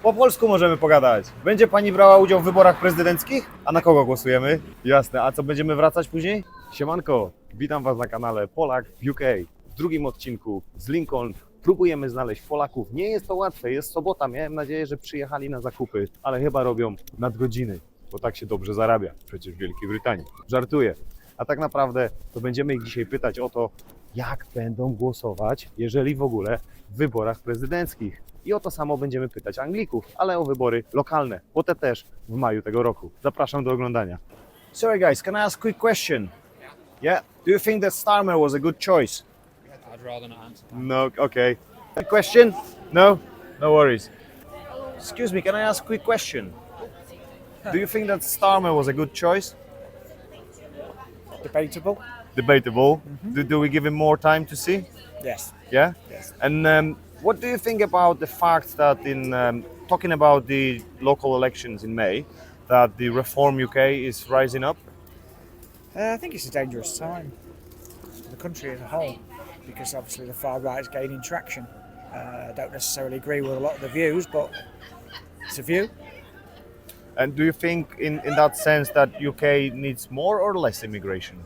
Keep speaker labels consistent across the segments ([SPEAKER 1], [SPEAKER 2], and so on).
[SPEAKER 1] Po polsku możemy pogadać. Będzie pani brała udział w wyborach prezydenckich? A na kogo głosujemy? Jasne, a co, będziemy wracać później? Siemanko, witam was na kanale Polak w UK. W drugim odcinku z Lincoln próbujemy znaleźć Polaków. Nie jest to łatwe, jest sobota, miałem nadzieję, że przyjechali na zakupy, ale chyba robią nadgodziny, bo tak się dobrze zarabia przecież w Wielkiej Brytanii. Żartuję. A tak naprawdę to będziemy ich dzisiaj pytać o to, jak będą głosować, jeżeli w ogóle w wyborach prezydenckich. I o to samo będziemy pytać Anglików, ale o wybory lokalne, bo te też w maju tego roku. Zapraszam do oglądania. Sorry guys, can I ask a quick question? Yeah? Do you think that Starmer was a good choice?
[SPEAKER 2] I'd rather not answer that.
[SPEAKER 1] No, okay. A question? No? No worries. Excuse me, can I ask a quick question? Do you think that Starmer was a good choice?
[SPEAKER 3] Debatable.
[SPEAKER 1] Debatable. Do we give him more time to see?
[SPEAKER 3] Yes.
[SPEAKER 1] Yeah?
[SPEAKER 3] Yes.
[SPEAKER 1] And what do you think about the fact that in talking about the local elections in May, that the Reform UK is rising up?
[SPEAKER 3] I think it's a dangerous time for the country as a whole because obviously the far right is gaining traction. I don't necessarily agree with a lot of the views, but it's a view.
[SPEAKER 1] And do you think in that sense that UK needs more or less immigration?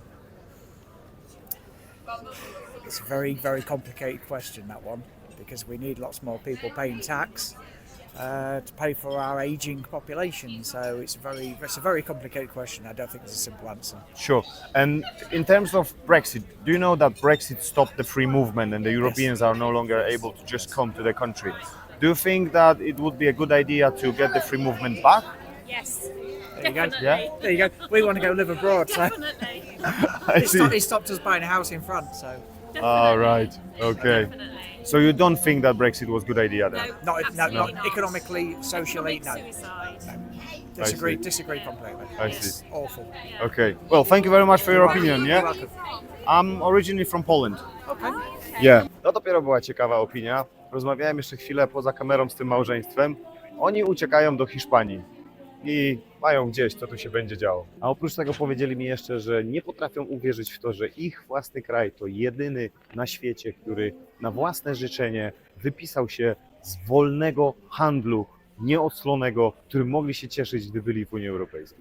[SPEAKER 3] It's a very, very complicated question, that one, because we need lots more people paying tax to pay for our ageing population. So it's a very complicated question. I don't think there's a simple answer.
[SPEAKER 1] Sure. And in terms of Brexit, do you know that Brexit stopped the free movement and the Europeans are no longer able to just come to the country? Do you think that it would be a good idea to get the free movement back?
[SPEAKER 4] Yes,
[SPEAKER 3] There you go.
[SPEAKER 4] definitely.
[SPEAKER 1] Yeah?
[SPEAKER 3] There you go. We want to go live abroad, so
[SPEAKER 4] Definitely.
[SPEAKER 1] I
[SPEAKER 3] it stopped us buying a house in France. So
[SPEAKER 1] All right. Okay.
[SPEAKER 4] Definitely.
[SPEAKER 1] So you don't think that Brexit was a good idea then?
[SPEAKER 3] not
[SPEAKER 4] absolutely not.
[SPEAKER 3] economically, socially, no.
[SPEAKER 4] Suicide.
[SPEAKER 3] Disagree completely.
[SPEAKER 1] I see.
[SPEAKER 3] Awful.
[SPEAKER 1] Okay. Well, thank you very much for your opinion,
[SPEAKER 3] You're
[SPEAKER 1] yeah?
[SPEAKER 3] welcome.
[SPEAKER 1] I'm originally from Poland.
[SPEAKER 3] Okay.
[SPEAKER 1] Yeah. To dopiero była ciekawa opinia. Rozmawiałem jeszcze chwilę poza kamerą z tym małżeństwem. Oni uciekają do Hiszpanii i mają gdzieś, co tu się będzie działo. A oprócz tego powiedzieli mi jeszcze, że nie potrafią uwierzyć w to, że ich własny kraj to jedyny na świecie, który na własne życzenie wypisał się z wolnego handlu, nieoclonego, którym mogli się cieszyć, gdy byli w Unii Europejskiej.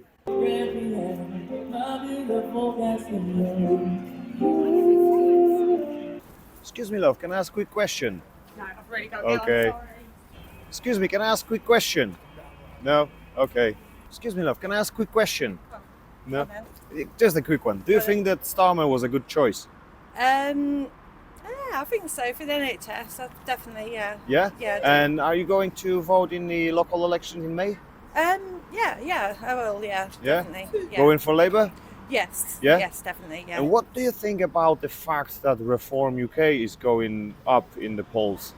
[SPEAKER 1] Excuse me, love, can I ask a quick question?
[SPEAKER 4] No, I've really got
[SPEAKER 1] Okay. Excuse me, can I ask a quick question? No? Okay. Excuse me, love, can I ask a quick question? No? Just a quick one. Do you think that Starmer was a good choice?
[SPEAKER 5] Yeah, I think so for the NHS. Definitely, yeah.
[SPEAKER 1] Yeah?
[SPEAKER 5] Yeah, I do.
[SPEAKER 1] And are you going to vote in the local elections in May?
[SPEAKER 5] Yeah, I will. Yeah,
[SPEAKER 1] Yeah?
[SPEAKER 5] definitely. Yeah.
[SPEAKER 1] Going for Labour?
[SPEAKER 5] Yes.
[SPEAKER 1] Yeah?
[SPEAKER 5] Yes, definitely. Yeah.
[SPEAKER 1] And what do you think about the fact that Reform UK is going up in the polls?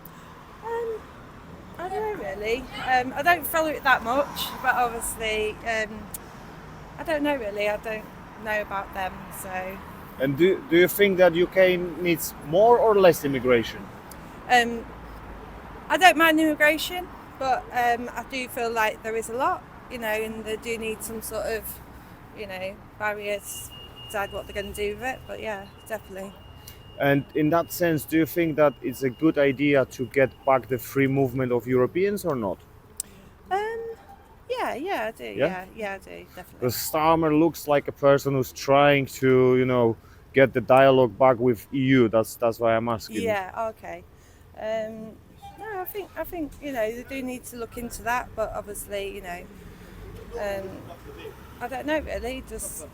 [SPEAKER 5] I don't know really. I don't follow it that much, but obviously, I don't know really. I don't know about them, so.
[SPEAKER 1] And do you think that UK needs more or less immigration?
[SPEAKER 5] I don't mind immigration, but I do feel like there is a lot, and they do need some sort of, barriers to decide what they're going to do with it. But yeah, definitely.
[SPEAKER 1] And in that sense, do you think that it's a good idea to get back the free movement of Europeans or not?
[SPEAKER 5] Yeah, I do.
[SPEAKER 1] Yeah?
[SPEAKER 5] Yeah, I do definitely.
[SPEAKER 1] Because Starmer looks like a person who's trying to, get the dialogue back with EU. That's why I'm asking.
[SPEAKER 5] Yeah, okay. No, I think they do need to look into that, but obviously, I don't know really. Just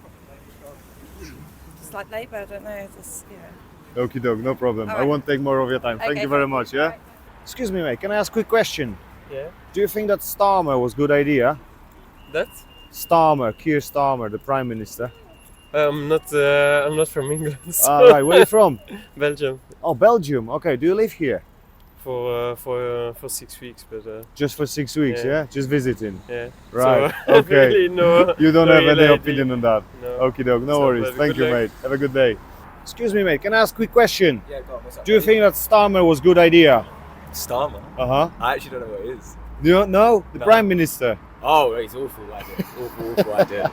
[SPEAKER 5] like Labour, I don't know.
[SPEAKER 1] Okie doke, no problem.
[SPEAKER 5] All
[SPEAKER 1] I
[SPEAKER 5] right.
[SPEAKER 1] won't take more of your time. Thank
[SPEAKER 5] Okay,
[SPEAKER 1] you very
[SPEAKER 5] thank you.
[SPEAKER 1] much, yeah?
[SPEAKER 5] Bye.
[SPEAKER 1] Excuse me, mate, can I ask a quick question?
[SPEAKER 6] Yeah.
[SPEAKER 1] Do you think that Starmer was a good idea?
[SPEAKER 6] That?
[SPEAKER 1] Starmer, Keir Starmer, the Prime Minister.
[SPEAKER 6] I'm not from England. So
[SPEAKER 1] Right, where are you from?
[SPEAKER 6] Belgium
[SPEAKER 1] Oh, Belgium. Okay, do you live here?
[SPEAKER 6] for 6 weeks, but
[SPEAKER 1] Just for 6 weeks, yeah?
[SPEAKER 6] Yeah.
[SPEAKER 1] Just visiting.
[SPEAKER 6] yeah.
[SPEAKER 1] Right,
[SPEAKER 6] So,
[SPEAKER 1] okay.
[SPEAKER 6] really no.
[SPEAKER 1] You don't
[SPEAKER 6] no
[SPEAKER 1] have any
[SPEAKER 6] real
[SPEAKER 1] opinion on that?
[SPEAKER 6] No.
[SPEAKER 1] Okie doke, no
[SPEAKER 6] So,
[SPEAKER 1] worries.
[SPEAKER 6] but
[SPEAKER 1] Thank
[SPEAKER 6] good
[SPEAKER 1] you,
[SPEAKER 6] luck.
[SPEAKER 1] mate. Have a good day. Excuse me, mate, can I ask a quick question?
[SPEAKER 7] Yeah, go on, what's up?
[SPEAKER 1] Do you think that Starmer was a good idea?
[SPEAKER 7] Starmer?
[SPEAKER 1] Uh-huh.
[SPEAKER 7] I actually don't know what it is.
[SPEAKER 1] You don't know? The
[SPEAKER 7] No.
[SPEAKER 1] Prime Minister.
[SPEAKER 7] Oh, it's awful idea. awful idea.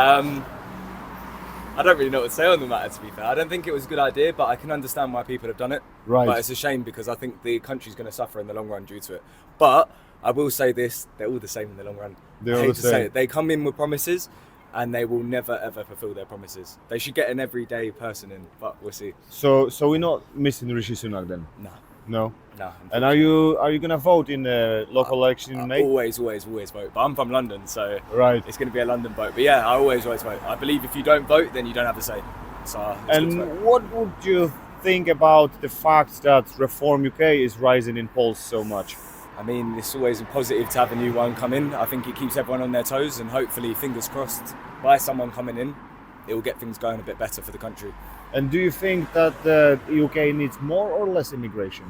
[SPEAKER 7] I don't really know what to say on the matter, to be fair. I don't think it was a good idea, but I can understand why people have done it.
[SPEAKER 1] Right.
[SPEAKER 7] But it's a shame because I think the country's going to suffer in the long run due to it. But I will say this: they're all the same in the long run.
[SPEAKER 1] They're
[SPEAKER 7] I
[SPEAKER 1] all
[SPEAKER 7] hate
[SPEAKER 1] the
[SPEAKER 7] to say
[SPEAKER 1] same.
[SPEAKER 7] it. They come in with promises, and they will never ever fulfil their promises. They should get an everyday person in, but we'll see.
[SPEAKER 1] So we're not missing Rishi Sunak then?
[SPEAKER 7] No,
[SPEAKER 1] No.
[SPEAKER 7] no.
[SPEAKER 1] And are you gonna vote in the local election in May?
[SPEAKER 7] Always vote. But I'm from London, so
[SPEAKER 1] Right.
[SPEAKER 7] it's going to be a London vote. But yeah, I always vote. I believe if you don't vote, then you don't have a say. So it's good to vote.
[SPEAKER 1] And what would you think about the fact that Reform UK is rising in polls so much?
[SPEAKER 7] I mean, it's always positive to have a new one come in. I think it keeps everyone on their toes, and hopefully, fingers crossed, by someone coming in, it will get things going a bit better for the country.
[SPEAKER 1] And do you think that the UK needs more or less immigration?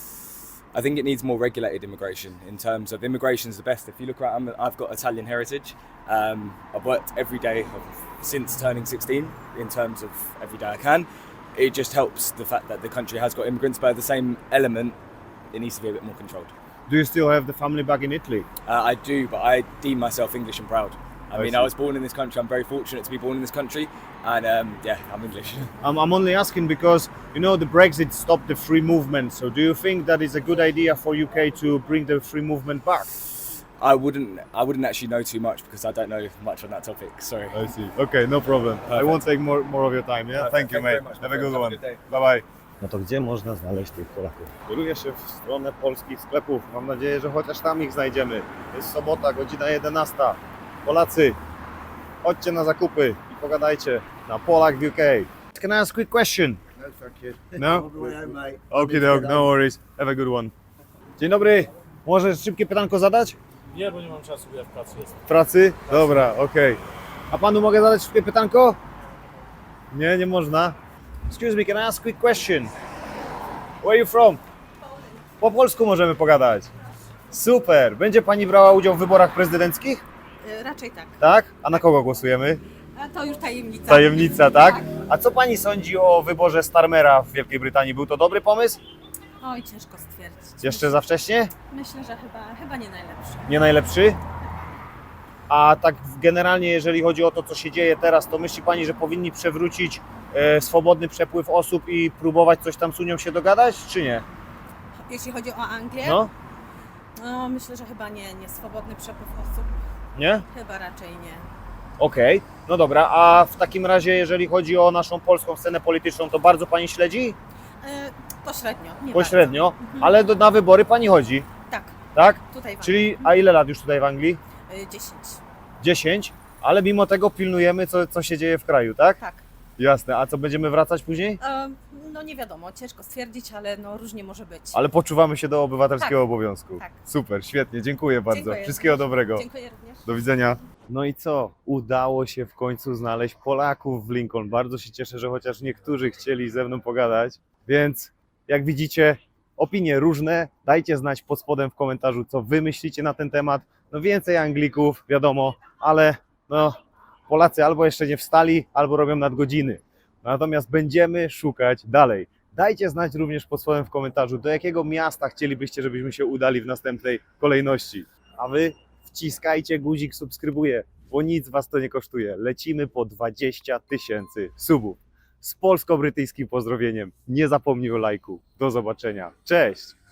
[SPEAKER 7] I think it needs more regulated immigration. In terms of immigration is the best. If you look around, I've got Italian heritage. I've worked every day since turning 16 in terms of every day I can. It just helps the fact that the country has got immigrants, but at the same element, it needs to be a bit more controlled.
[SPEAKER 1] Do you still have the family back in Italy?
[SPEAKER 7] I do, but I deem myself English and proud. I mean,
[SPEAKER 1] see.
[SPEAKER 7] I was born in this country. I'm very fortunate to be born in this country, and yeah, I'm English.
[SPEAKER 1] I'm only asking because, you know, the Brexit stopped the free movement. So do you think that is a good idea for UK to bring the free movement back?
[SPEAKER 7] I wouldn't actually know too much because I don't know much on that topic. Sorry.
[SPEAKER 1] I see. Okay, no problem. I won't take more of your time, yeah?
[SPEAKER 7] Perfect.
[SPEAKER 1] Thank you,
[SPEAKER 7] Thank you
[SPEAKER 1] mate.
[SPEAKER 7] very much,
[SPEAKER 1] Have a
[SPEAKER 7] my
[SPEAKER 1] good
[SPEAKER 7] friend.
[SPEAKER 1] one.
[SPEAKER 7] Have a good day.
[SPEAKER 1] Bye bye. No to gdzie można znaleźć tych Polaków? Kieruję się w stronę polskich sklepów. Mam nadzieję, że chociaż tam ich znajdziemy. Jest sobota, godzina 11. Polacy, chodźcie na zakupy i pogadajcie na Polak w UK. Can I ask a quick question?
[SPEAKER 8] No, thank you.
[SPEAKER 1] No?
[SPEAKER 8] mate.
[SPEAKER 1] Okay, no worries. Have a good one. Dzień dobry. Może szybkie pytanko zadać?
[SPEAKER 9] Nie, bo nie mam czasu, bo ja w pracy jestem.
[SPEAKER 1] W pracy? Dobra, okej. A panu mogę zadać szybkie pytanko? Nie można. Excuse me, can I ask a quick question? Where are you from? Po polsku możemy pogadać. Super. Będzie pani brała udział w wyborach prezydenckich?
[SPEAKER 4] Raczej tak.
[SPEAKER 1] Tak? A na kogo głosujemy?
[SPEAKER 4] A to już tajemnica.
[SPEAKER 1] Tajemnica, tak? A co pani sądzi o wyborze Starmera w Wielkiej Brytanii? Był to dobry pomysł?
[SPEAKER 4] Oj, ciężko stwierdzić.
[SPEAKER 1] Jeszcze za wcześnie?
[SPEAKER 4] Myślę, że chyba nie najlepszy.
[SPEAKER 1] Nie najlepszy? A tak generalnie, jeżeli chodzi o to, co się dzieje teraz, to myśli pani, że powinni przewrócić swobodny przepływ osób i próbować coś tam z Unią się dogadać, czy nie?
[SPEAKER 4] Jeśli chodzi o Anglię,
[SPEAKER 1] No?
[SPEAKER 4] no myślę, że chyba nie swobodny przepływ osób.
[SPEAKER 1] Nie?
[SPEAKER 4] Chyba raczej nie.
[SPEAKER 1] Okej, no dobra, a w takim razie, jeżeli chodzi o naszą polską scenę polityczną, to bardzo pani śledzi?
[SPEAKER 4] Pośrednio. Nie
[SPEAKER 1] Pośrednio,
[SPEAKER 4] bardzo.
[SPEAKER 1] ale na wybory pani chodzi,
[SPEAKER 4] Tak,
[SPEAKER 1] tak?
[SPEAKER 4] tutaj w
[SPEAKER 1] Czyli, a ile lat już tutaj w Anglii?
[SPEAKER 4] Anglii. 10.
[SPEAKER 1] 10, ale mimo tego pilnujemy, co się dzieje w kraju, tak?
[SPEAKER 4] Tak.
[SPEAKER 1] Jasne, a co, będziemy wracać później?
[SPEAKER 4] No nie wiadomo, ciężko stwierdzić, ale no różnie może być.
[SPEAKER 1] Ale poczuwamy się do obywatelskiego
[SPEAKER 4] Tak.
[SPEAKER 1] obowiązku.
[SPEAKER 4] Tak.
[SPEAKER 1] Super, świetnie, dziękuję bardzo.
[SPEAKER 4] Dziękuję
[SPEAKER 1] Wszystkiego
[SPEAKER 4] również.
[SPEAKER 1] dobrego.
[SPEAKER 4] Dziękuję również.
[SPEAKER 1] Do widzenia. No i co? Udało się w końcu znaleźć Polaków w Lincoln. Bardzo się cieszę, że chociaż niektórzy chcieli ze mną pogadać. Więc jak widzicie, opinie różne. Dajcie znać pod spodem w komentarzu, co wy myślicie na ten temat. No więcej Anglików, wiadomo, ale no Polacy albo jeszcze nie wstali, albo robią nadgodziny. Natomiast będziemy szukać dalej. Dajcie znać również pod spodem w komentarzu, do jakiego miasta chcielibyście, żebyśmy się udali w następnej kolejności. A wy wciskajcie guzik subskrybuję, bo nic was to nie kosztuje. Lecimy po 20 000 subów. Z polsko-brytyjskim pozdrowieniem. Nie zapomnij o lajku. Do zobaczenia. Cześć!